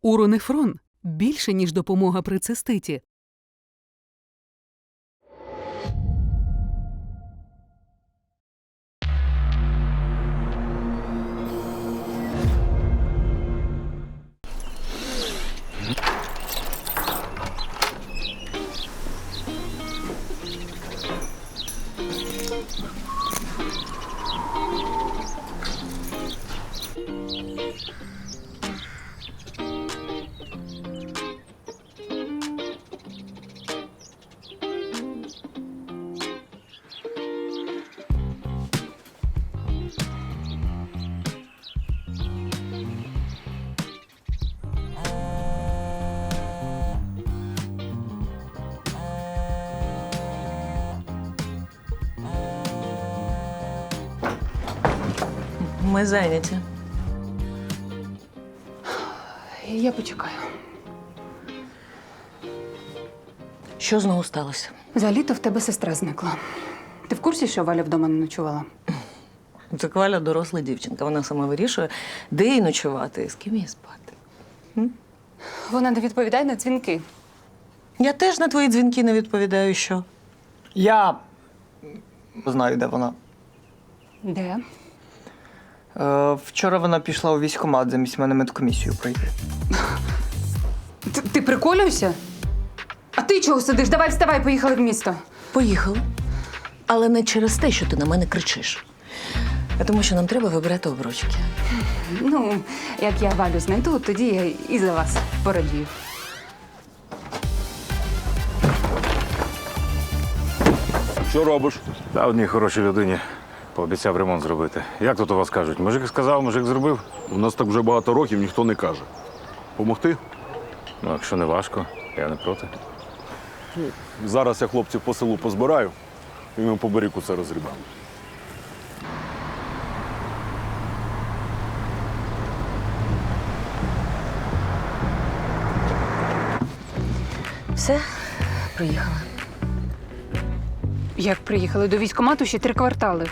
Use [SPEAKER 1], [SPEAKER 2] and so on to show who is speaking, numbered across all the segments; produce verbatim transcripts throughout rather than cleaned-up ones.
[SPEAKER 1] Уронефрон – більше, ніж допомога при циститі.
[SPEAKER 2] Ми зайняті.
[SPEAKER 3] Я почекаю.
[SPEAKER 2] Що знову сталося?
[SPEAKER 3] За літо в тебе сестра зникла. Ти в курсі, що Валя вдома не ночувала?
[SPEAKER 2] Це Валя доросла дівчинка. Вона сама вирішує, де їй ночувати і з ким їй спати.
[SPEAKER 3] Вона не відповідає на дзвінки.
[SPEAKER 2] Я теж на твої дзвінки не відповідаю, що?
[SPEAKER 4] Я знаю, де вона.
[SPEAKER 3] Де?
[SPEAKER 4] Е, вчора вона пішла у військкомат замість мене медкомісію пройти.
[SPEAKER 3] Ти, ти приколюєшся? А ти чого сидиш? Давай вставай, поїхали в місто.
[SPEAKER 2] Поїхали. Але не через те, що ти на мене кричиш. А тому, що нам треба вибирати обручки.
[SPEAKER 3] Ну, як я Валю знайду, тоді я і за вас порадію.
[SPEAKER 5] Що робиш?
[SPEAKER 6] Та одній хорошій людині пообіцяв ремонт зробити. Як тут у вас кажуть? Мужик сказав, мужик зробив?
[SPEAKER 5] У нас так вже багато років ніхто не каже. Помогти?
[SPEAKER 6] Ну, якщо не важко, я не проти.
[SPEAKER 5] Зараз я хлопців по селу позбираю і ми по берегу це розрібаємо.
[SPEAKER 2] Все, приїхала.
[SPEAKER 3] Як приїхали до військкомату, ще три квартали.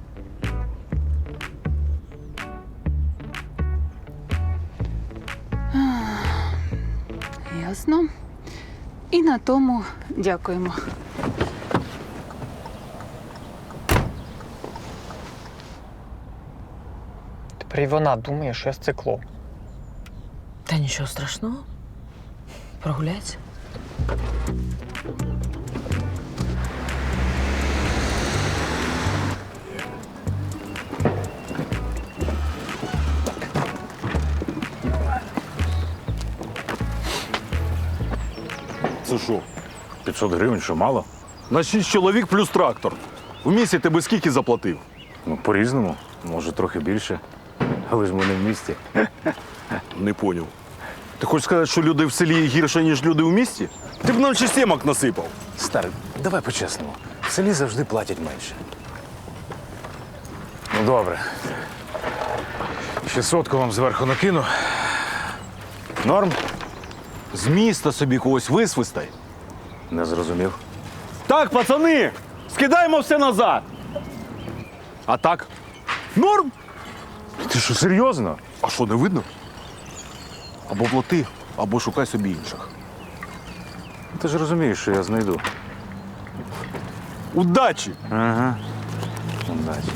[SPEAKER 3] Ах, ясно. І на тому дякуємо.
[SPEAKER 4] Тепер і вона думає, що я з цикло.
[SPEAKER 2] Та нічого страшного. Прогуляйся.
[SPEAKER 5] Це що?
[SPEAKER 6] п'ятсот гривень, що мало?
[SPEAKER 5] На шість чоловік плюс трактор. В місті ти би скільки заплатив?
[SPEAKER 6] Ну, по-різному. Може, трохи більше. Але ж ми не в місті.
[SPEAKER 5] Не поняв. Ти хочеш сказати, що люди в селі гірше, ніж люди в місті? Ти б нам ще сімок насипав.
[SPEAKER 6] Старий, давай по-чесному. В селі завжди платять менше. Ну, добре. Ще сотку вам зверху накину. Норм?
[SPEAKER 5] З міста собі когось висвистай.
[SPEAKER 6] Не зрозумів.
[SPEAKER 5] Так, пацани, скидаємо все назад. А так? Норм?
[SPEAKER 6] Ти що, серйозно?
[SPEAKER 5] А що, не видно? Або плати, або шукай собі інших.
[SPEAKER 6] Ти ж розумієш, що я знайду.
[SPEAKER 5] Удачі!
[SPEAKER 6] Ага. Удачі.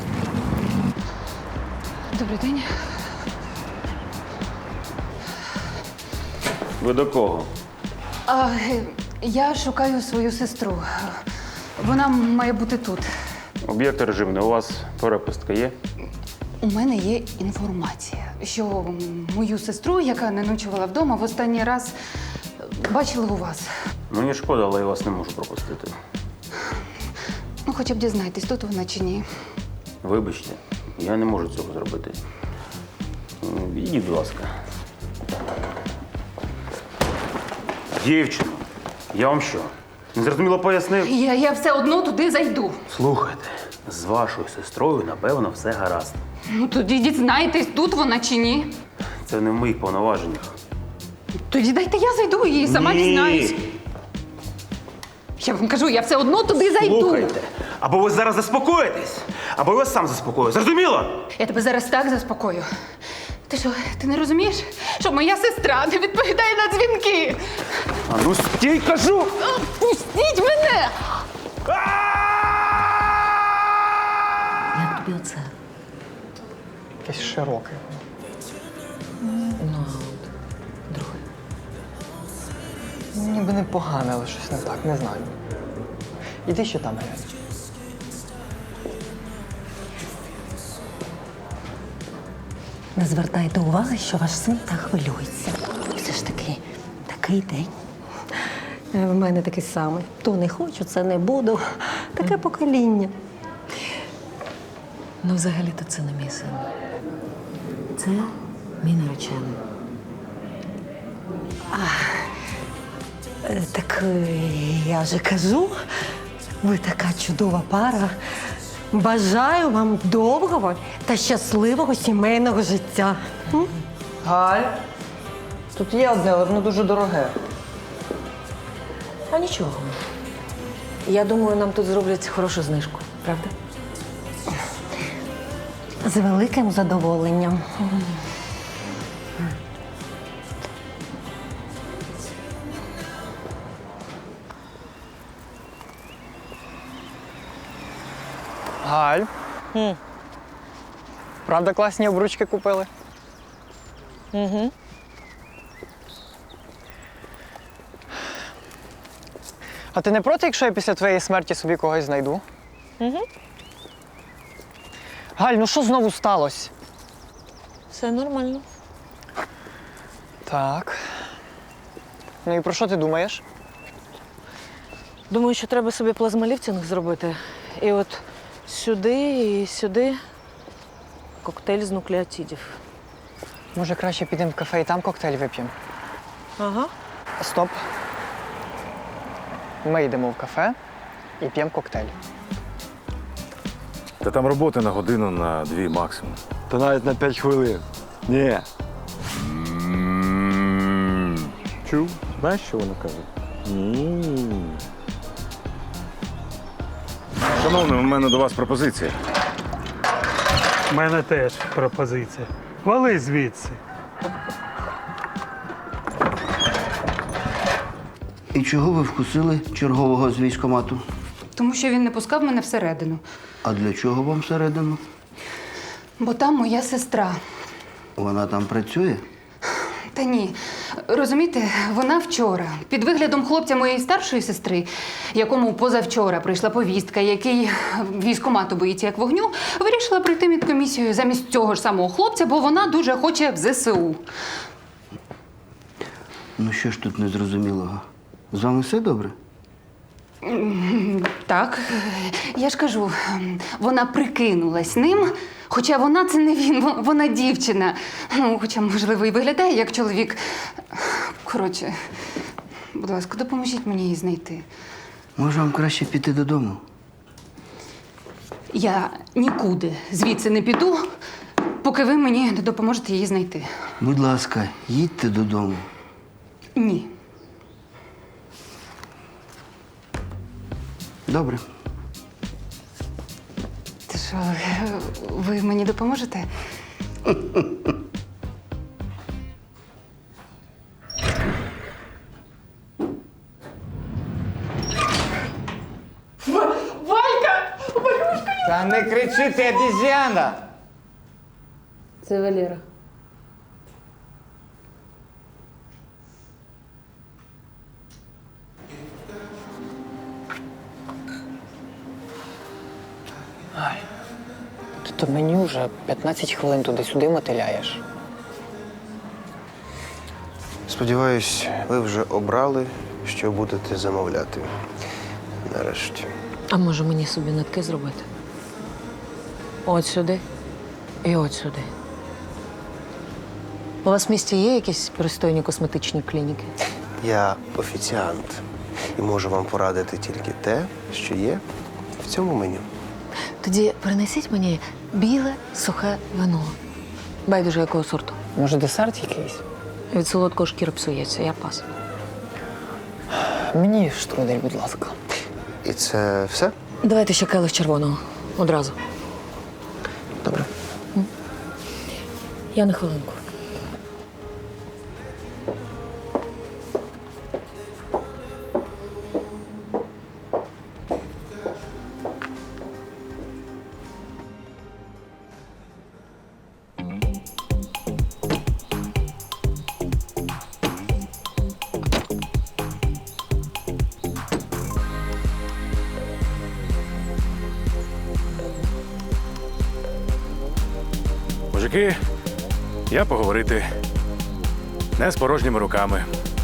[SPEAKER 3] Добрий день.
[SPEAKER 7] Ви до кого?
[SPEAKER 3] А, е, я шукаю свою сестру. Вона має бути тут.
[SPEAKER 7] Об'єкт режимний. У вас перепустка є?
[SPEAKER 3] У мене є інформація, що мою сестру, яка не ночувала вдома, в останній раз бачили у вас.
[SPEAKER 7] Мені шкода, але я вас не можу пропустити.
[SPEAKER 3] Ну, хоча б дізнайтесь, тут вона чи ні.
[SPEAKER 7] Вибачте, я не можу цього зробити. М, Ідіть, будь ласка. Дівчино, я вам що? Незрозуміло пояснив?
[SPEAKER 3] Я, я все одно туди зайду.
[SPEAKER 7] Слухайте, з вашою сестрою, напевно, все гаразд.
[SPEAKER 3] Ну, тоді дізнайтесь, тут вона чи ні.
[SPEAKER 7] Це не в моїх повноваженнях.
[SPEAKER 3] Тоді дайте я зайду і сама
[SPEAKER 7] Ні.
[SPEAKER 3] дізнаюсь. Я вам кажу, я все одно туди зайду.
[SPEAKER 7] Слухайте, або ви зараз заспокоїтесь, або я вас сам заспокою. Зрозуміло?
[SPEAKER 3] Я тебе зараз так заспокою. Ти що, ти не розумієш, що моя сестра не відповідає на дзвінки?
[SPEAKER 5] А ну стій, кажу!
[SPEAKER 3] Пустіть мене!
[SPEAKER 2] Як тобі оце?
[SPEAKER 4] Якесь широке.
[SPEAKER 2] Ну, а от друге.
[SPEAKER 4] Ніби непогане, але щось не так, не знаю. Іди ще там глянь.
[SPEAKER 8] Не звертайте уваги, що ваш син так хвилюється. Все ж таки, такий день. Е, В мене такий самий. То не хочу, це не буду. Таке покоління.
[SPEAKER 2] Ну, взагалі-то це не мій син. Це мій наречений.
[SPEAKER 8] Е, Так е, я же кажу, ви така чудова пара. Бажаю вам довгого та щасливого сімейного життя. М?
[SPEAKER 4] Галь, тут є одне, але воно дуже дороге.
[SPEAKER 2] А нічого. Я думаю, нам тут зроблять хорошу знижку, правда?
[SPEAKER 8] З великим задоволенням.
[SPEAKER 4] Галь. Правда, класні обручки купили? Угу. А ти не проти, якщо я після твоєї смерті собі когось знайду? Угу. Галь, ну що знову сталося?
[SPEAKER 2] Все нормально.
[SPEAKER 4] Так. Ну і про що ти думаєш?
[SPEAKER 2] Думаю, що треба собі плазмоліфтинг зробити. І от сюди і сюди коктейль з нуклеотидів.
[SPEAKER 4] Може, краще підемо в кафе і там коктейль вип'ємо?
[SPEAKER 2] Ага.
[SPEAKER 4] Стоп. Ми йдемо в кафе і п'ємо коктейль.
[SPEAKER 6] Та там роботи на годину, на дві максимум.
[SPEAKER 5] Та навіть на п'ять хвилин. Ні. Чув? Знаєш, що вона каже?
[SPEAKER 6] Шановний, у мене до вас пропозиція.
[SPEAKER 9] У мене теж пропозиція. Вали звідси.
[SPEAKER 10] І чого ви вкусили чергового з військкомату?
[SPEAKER 3] Тому що він не пускав мене всередину.
[SPEAKER 10] А для чого вам всередину?
[SPEAKER 3] Бо там моя сестра.
[SPEAKER 10] Вона там працює?
[SPEAKER 3] Та ні. Розумієте, вона вчора, під виглядом хлопця моєї старшої сестри, якому позавчора прийшла повістка, який військкомату боїться як вогню, вирішила прийти медкомісію замість цього ж самого хлопця, бо вона дуже хоче в зе се у.
[SPEAKER 10] Ну що ж тут незрозумілого? З вами все добре?
[SPEAKER 3] Так, я ж кажу, вона прикинулась ним, хоча вона це не він, во- вона дівчина. Ну, хоча, можливо, і виглядає як чоловік. Коротше, будь ласка, допоможіть мені її знайти.
[SPEAKER 10] Може, вам краще піти додому?
[SPEAKER 3] Я нікуди звідси не піду, поки ви мені не допоможете її знайти.
[SPEAKER 10] Будь ласка, їдьте додому.
[SPEAKER 3] Ні.
[SPEAKER 10] Добре.
[SPEAKER 3] Ти що, ви мені допоможете?
[SPEAKER 4] Та не кричи, ти обіз'яна!
[SPEAKER 2] Це Валера.
[SPEAKER 4] Ти то мені вже п'ятнадцять хвилин туди-сюди мотиляєш.
[SPEAKER 11] Сподіваюсь, ви вже обрали, що будете замовляти. Нарешті.
[SPEAKER 2] А може мені собі нитки зробити? От сюди і от сюди. У вас в місті є якісь пристойні косметичні клініки?
[SPEAKER 11] Я офіціант і можу вам порадити тільки те, що є в цьому меню.
[SPEAKER 2] Тоді принесіть мені біле сухе вино. Байдуже якого сорту.
[SPEAKER 4] Може, десерт якийсь?
[SPEAKER 2] Від солодкого шкіра псується, я пас.
[SPEAKER 4] Мені штрудель, будь ласка.
[SPEAKER 11] І це все?
[SPEAKER 2] Давайте ще келих червоного. Одразу.
[SPEAKER 11] Добре.
[SPEAKER 8] Я на хвилинку.
[SPEAKER 6] Мужики, я поговорити. Не з порожніми руками.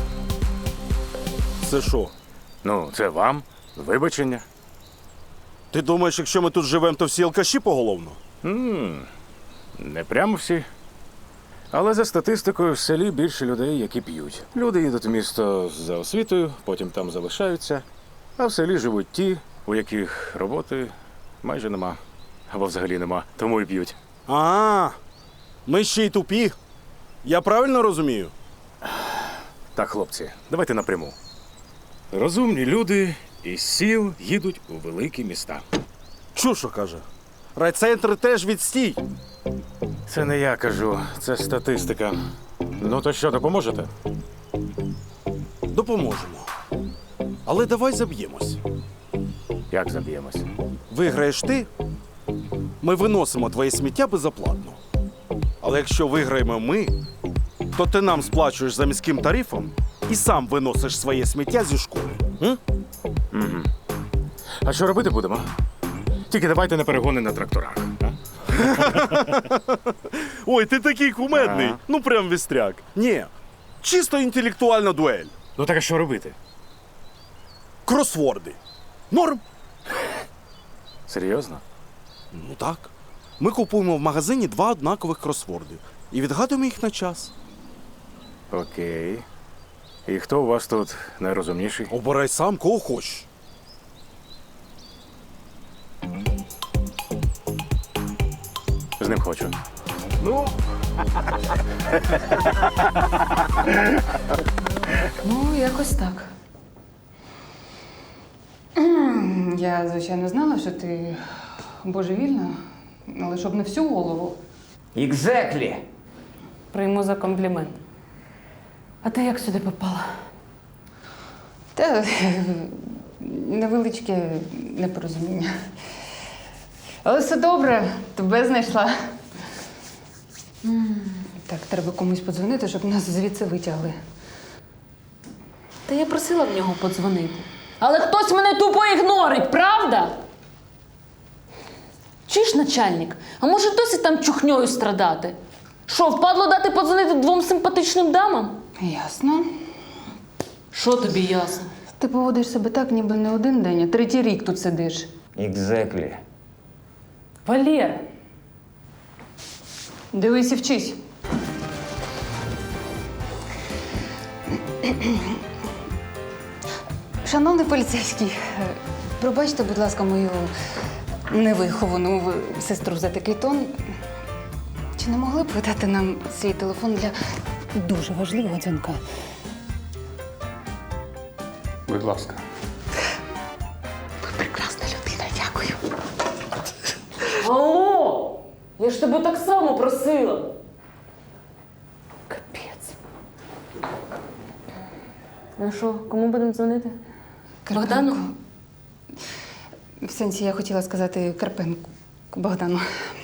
[SPEAKER 5] Це що?
[SPEAKER 6] Ну, це вам. Вибачення.
[SPEAKER 5] Ти думаєш, якщо ми тут живемо, то всі алкаші поголовно?
[SPEAKER 6] м Не прямо всі. Але за статистикою в селі більше людей, які п'ють. Люди їдуть в місто за освітою, потім там залишаються. А в селі живуть ті, у яких роботи майже нема. Або взагалі нема, тому і п'ють.
[SPEAKER 5] А, ми ще й тупі. Я правильно розумію?
[SPEAKER 6] Так, хлопці, давайте напряму. Розумні люди із сіл їдуть у великі міста.
[SPEAKER 5] Чушо каже. Райцентри теж відстій.
[SPEAKER 6] Це не я кажу, це статистика. Ну то що, допоможете?
[SPEAKER 5] Допоможемо. Але давай заб'ємось.
[SPEAKER 6] Як заб'ємось?
[SPEAKER 5] Виграєш ти, ми виносимо твоє сміття безоплатно. Але якщо виграємо ми, то ти нам сплачуєш за міським тарифом і сам виносиш своє сміття зі школи. М?
[SPEAKER 6] Угу. А що робити будемо? Тільки давайте не перегони на тракторах. А?
[SPEAKER 5] Ой, ти такий кумедний.
[SPEAKER 6] Ага.
[SPEAKER 5] Ну прям вістряк. Ні, чисто інтелектуальна дуель.
[SPEAKER 6] Ну так а що робити?
[SPEAKER 5] Кросворди. Норм?
[SPEAKER 6] Серйозно?
[SPEAKER 5] Ну так. Ми купуємо в магазині два однакових кросворди і відгадуємо їх на час.
[SPEAKER 6] Окей. І хто у вас тут найрозумніший?
[SPEAKER 5] Обирай сам, кого хочеш.
[SPEAKER 6] З ним хочу.
[SPEAKER 3] Ну, якось так. Я, звичайно, знала, що ти божевільна, але щоб не всю голову.
[SPEAKER 10] Екзеклі!
[SPEAKER 2] Прийму за комплімент. А ти як сюди попала?
[SPEAKER 3] Та невеличке непорозуміння. Але все добре, тебе знайшла. М, Так, треба комусь подзвонити, щоб нас звідси витягли.
[SPEAKER 2] Та я просила в нього подзвонити. Але хтось мене тупо ігнорить, правда? Чи ж начальник? А може досі там чухньою страдати? Що, впадло дати подзвонити двом симпатичним дамам?
[SPEAKER 3] Ясно.
[SPEAKER 2] Що тобі ясно?
[SPEAKER 3] Ти поводиш себе так, ніби не один день, а третій рік тут сидиш.
[SPEAKER 10] Екзеклі.
[SPEAKER 2] Валєр,
[SPEAKER 3] Дивись і вчись. Шановний поліцейський, е, пробачте, будь ласка, мою невиховану в- сестру за такий тон. Чи не могли б ви дати нам свій телефон для дуже важливого дзвінка?
[SPEAKER 7] Будь ласка.
[SPEAKER 3] Ви прекрасна людина, дякую.
[SPEAKER 2] алло! Я ж тебе так само просила. Капець. Ну що, кому будемо дзвонити? Богдану?
[SPEAKER 3] В сенсі я хотіла сказати Карпенку Богдану.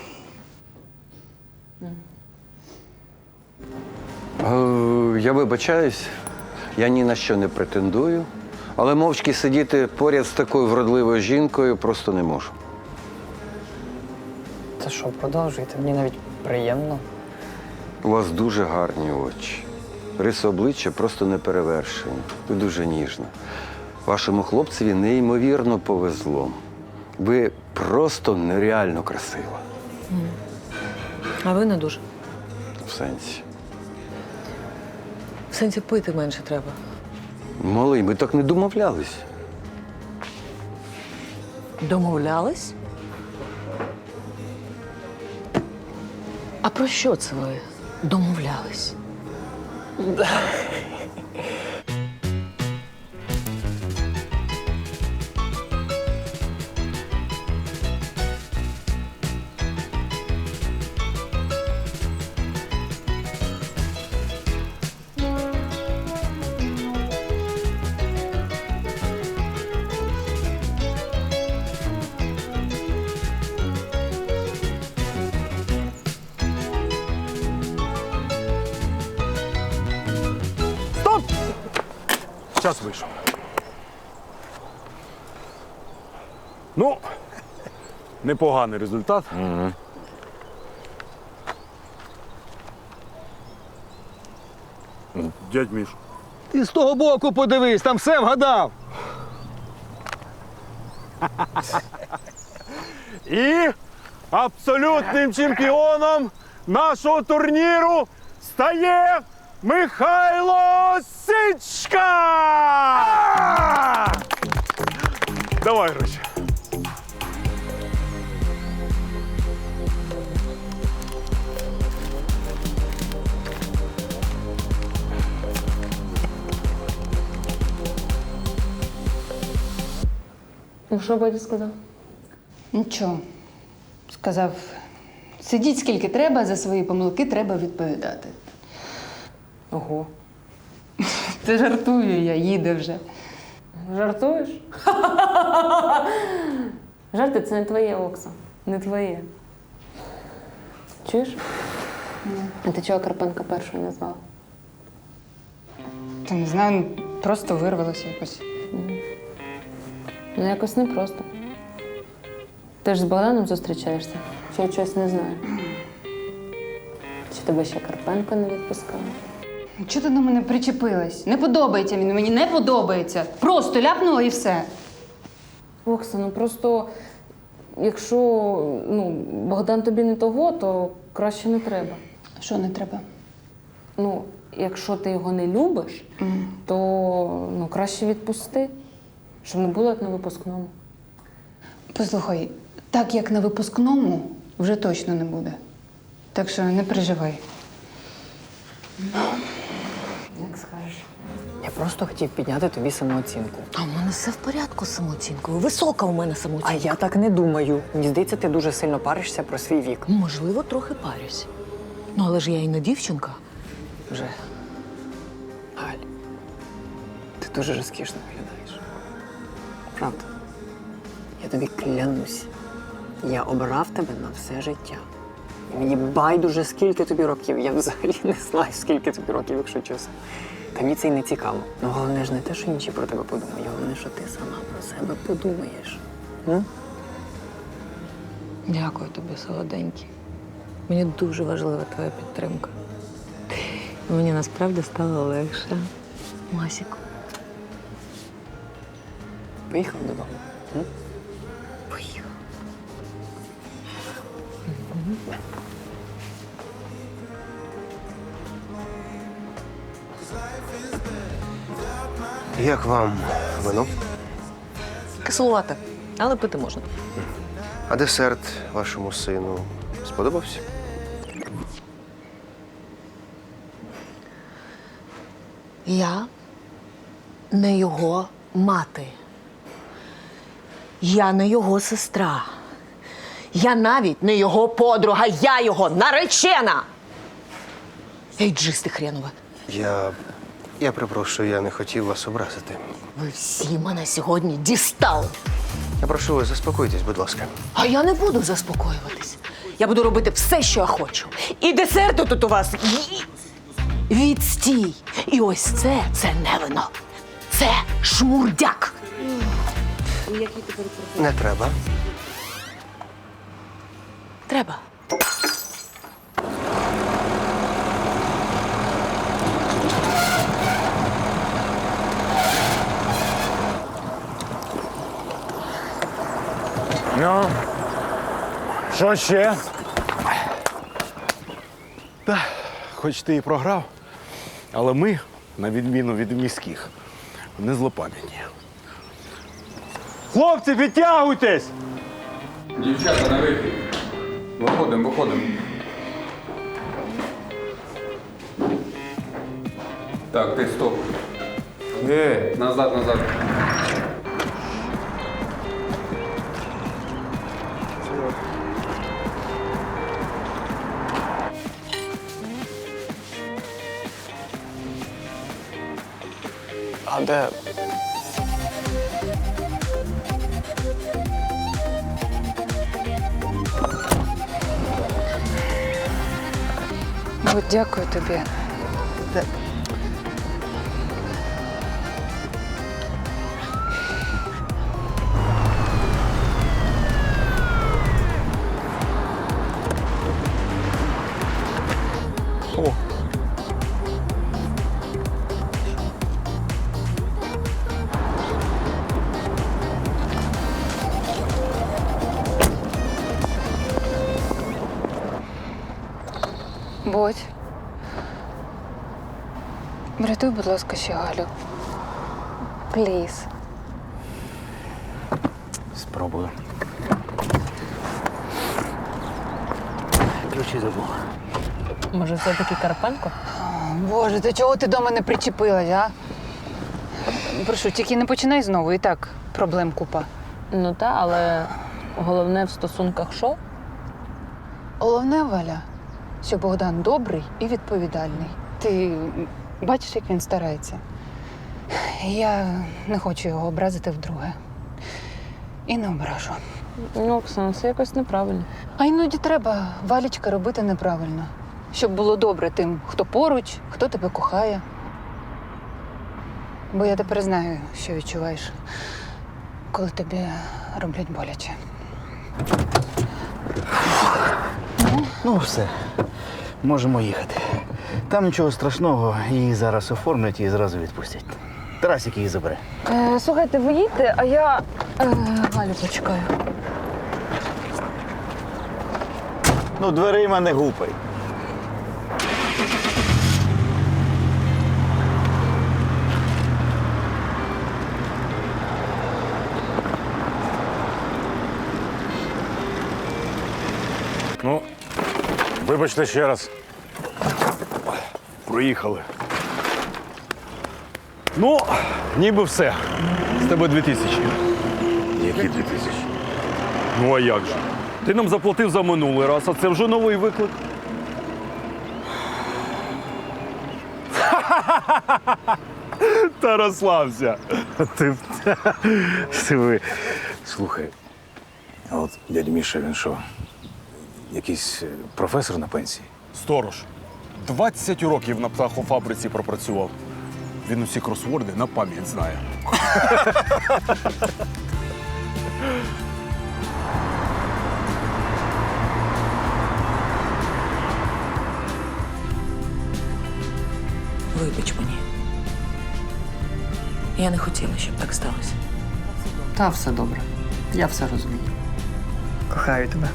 [SPEAKER 12] Е, Я вибачаюсь, я ні на що не претендую, але мовчки сидіти поряд з такою вродливою жінкою просто не можу.
[SPEAKER 4] Та що, продовжуйте, мені навіть приємно.
[SPEAKER 12] У вас дуже гарні очі. Риси обличчя просто неперевершені. Ви дуже ніжна. Вашому хлопцеві неймовірно повезло. Ви просто нереально красива.
[SPEAKER 2] А ви не дуже.
[SPEAKER 12] В сенсі.
[SPEAKER 2] В сенсі пити менше треба.
[SPEAKER 12] Малий, ми так не домовлялись.
[SPEAKER 2] Домовлялись? А про що це ви домовлялись?
[SPEAKER 5] час вийшов. Ну, непоганий результат.
[SPEAKER 6] Угу.
[SPEAKER 5] Дядь Міш.
[SPEAKER 13] Ти з того боку подивись, там все вгадав.
[SPEAKER 5] І абсолютним чемпіоном нашого турніру стає Михайло Сичка! Давай гроші.
[SPEAKER 2] Ну, що батько сказав?
[SPEAKER 3] Нічого. Сказав, сидіть скільки треба, за свої помилки треба відповідати.
[SPEAKER 2] Ого.
[SPEAKER 3] Ти жартую я, їде вже.
[SPEAKER 2] Жартуєш? Жарти це не твоє, Окса. Не твоє. Чуєш? А ти чого Карпенка першою не звала?
[SPEAKER 3] Та не знаю, просто вирвалося якось.
[SPEAKER 2] Ну, якось непросто. Ти ж з Богданом зустрічаєшся? Чи я чогось не знаю? Чи тебе ще Карпенко не відпускала?
[SPEAKER 3] Чого ти до мене причепилась? Не подобається він, мені не подобається. Просто ляпнула і все.
[SPEAKER 2] Окса, ну просто, якщо ну, Богдан тобі не того, то краще не треба.
[SPEAKER 3] Що не треба?
[SPEAKER 2] Ну, якщо ти його не любиш,
[SPEAKER 3] Mm.
[SPEAKER 2] то ну, краще відпусти, щоб не було як на випускному.
[SPEAKER 3] Послухай, так як на випускному вже точно не буде. Так що не переживай.
[SPEAKER 2] Як скажеш.
[SPEAKER 14] Я просто хотів підняти тобі самооцінку.
[SPEAKER 8] А в мене все в порядку з самооцінкою. Висока у мене самооцінка.
[SPEAKER 14] А я так не думаю. Мені здається, ти дуже сильно паришся про свій вік.
[SPEAKER 8] Можливо, трохи парюсь. Ну, але ж я і не дівчинка.
[SPEAKER 14] Вже. Галь, ти дуже розкішно виглядаєш. Правда. Я тобі клянусь. Я обрав тебе на все життя. І мені байдуже, скільки тобі років. Я взагалі не знаю, скільки тобі років, якщо чесно. Та мені це й не цікаво. Ну, головне ж не те, що інші про тебе подумають. Головне, що ти сама про себе подумаєш. М?
[SPEAKER 8] Дякую тобі, солоденький. Мені дуже важлива твоя підтримка. Мені насправді стало легше. Масіку.
[SPEAKER 14] Поїхав додому. М?
[SPEAKER 8] Поїхав.
[SPEAKER 11] Як вам вино?
[SPEAKER 8] Кислувата, але пити можна.
[SPEAKER 11] А десерт вашому сину сподобався?
[SPEAKER 8] Я не його мати. Я не його сестра. Я навіть не його подруга, я його наречена! Ейджисти хренове.
[SPEAKER 11] Я. Я припрошую, я не хотів вас образити.
[SPEAKER 8] Ви всі мене сьогодні дістали.
[SPEAKER 11] Я прошу вас, заспокойтесь, будь ласка.
[SPEAKER 8] А я не буду заспокоюватись. Я буду робити все, що я хочу. І десерти тут у вас і- відстій. І ось це, це не вино. Це шмурдяк.
[SPEAKER 11] Не треба.
[SPEAKER 8] Треба.
[SPEAKER 5] Ну, що ще? Та, хоч ти і програв, але ми, на відміну від міських, не злопам'ятні. Хлопці, підтягуйтесь!
[SPEAKER 15] Дівчата, на вихід. Виходимо, виходимо. Так, ти стоп. Е, назад, назад.
[SPEAKER 14] А де?
[SPEAKER 3] От дякую тобі. Заходь. Врятуй, будь ласка, ще Галю. Пліз.
[SPEAKER 10] Спробую. Ключі забув.
[SPEAKER 2] Може, все-таки Карпенко?
[SPEAKER 3] Боже, ти чого ти до мене причепилась, а? Прошу, тільки не починай знову, і так проблем купа.
[SPEAKER 2] Ну та, але головне в стосунках що?
[SPEAKER 3] Головне, Валя, що Богдан добрий і відповідальний. Ти бачиш, як він старається. Я не хочу його образити вдруге. І не ображу.
[SPEAKER 2] Ну, Оксана, це якось неправильно.
[SPEAKER 3] А іноді треба, Валічка, робити неправильно. Щоб було добре тим, хто поруч, хто тебе кохає. Бо я тепер знаю, що відчуваєш, коли тобі роблять боляче.
[SPEAKER 10] Ну, все. Можемо їхати. Там нічого страшного, її зараз оформлять і зразу відпустять. Тарасик її забере.
[SPEAKER 2] Е, слухайте, ви їдьте, а я е, Галю почекаю.
[SPEAKER 10] Ну, дверима не гупай.
[SPEAKER 6] Ну, вибачте ще раз.
[SPEAKER 5] Проїхали. Ну, ніби все. З тебе дві тисячі.
[SPEAKER 6] Які дві тисячі?
[SPEAKER 5] Ну а як же? Ти нам заплатив за минулий раз, а це вже новий виклик. Та розслабся.
[SPEAKER 6] Ти, ти ви. Слухай, а от дядь Міша, він що? Якийсь е, професор на пенсії?
[SPEAKER 5] Сторож. двадцять років на птахофабриці пропрацював. Він усі кросворди на пам'ять знає.
[SPEAKER 1] Вибач мені. Я не хотіла, щоб так сталося.
[SPEAKER 14] Та все добре. Я все розумію.
[SPEAKER 4] Кохаю тебе.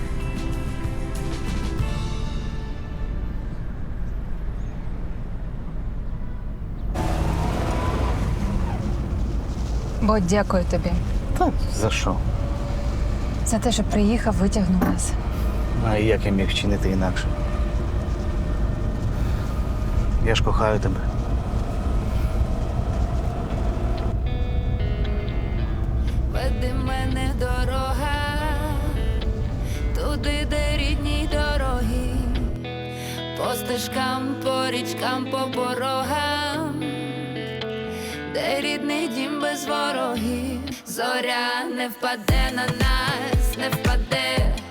[SPEAKER 3] Бо дякую тобі
[SPEAKER 10] Та за що?
[SPEAKER 3] за те, що приїхав, витягнув нас.
[SPEAKER 10] А як я міг вчинити інакше? Я ж кохаю тебе.
[SPEAKER 16] Веди мене дорога, туди, де рідні дороги, по стежкам, по річкам, по порогам, де рідний дім без ворогів. Зоря не впаде на нас, не впаде.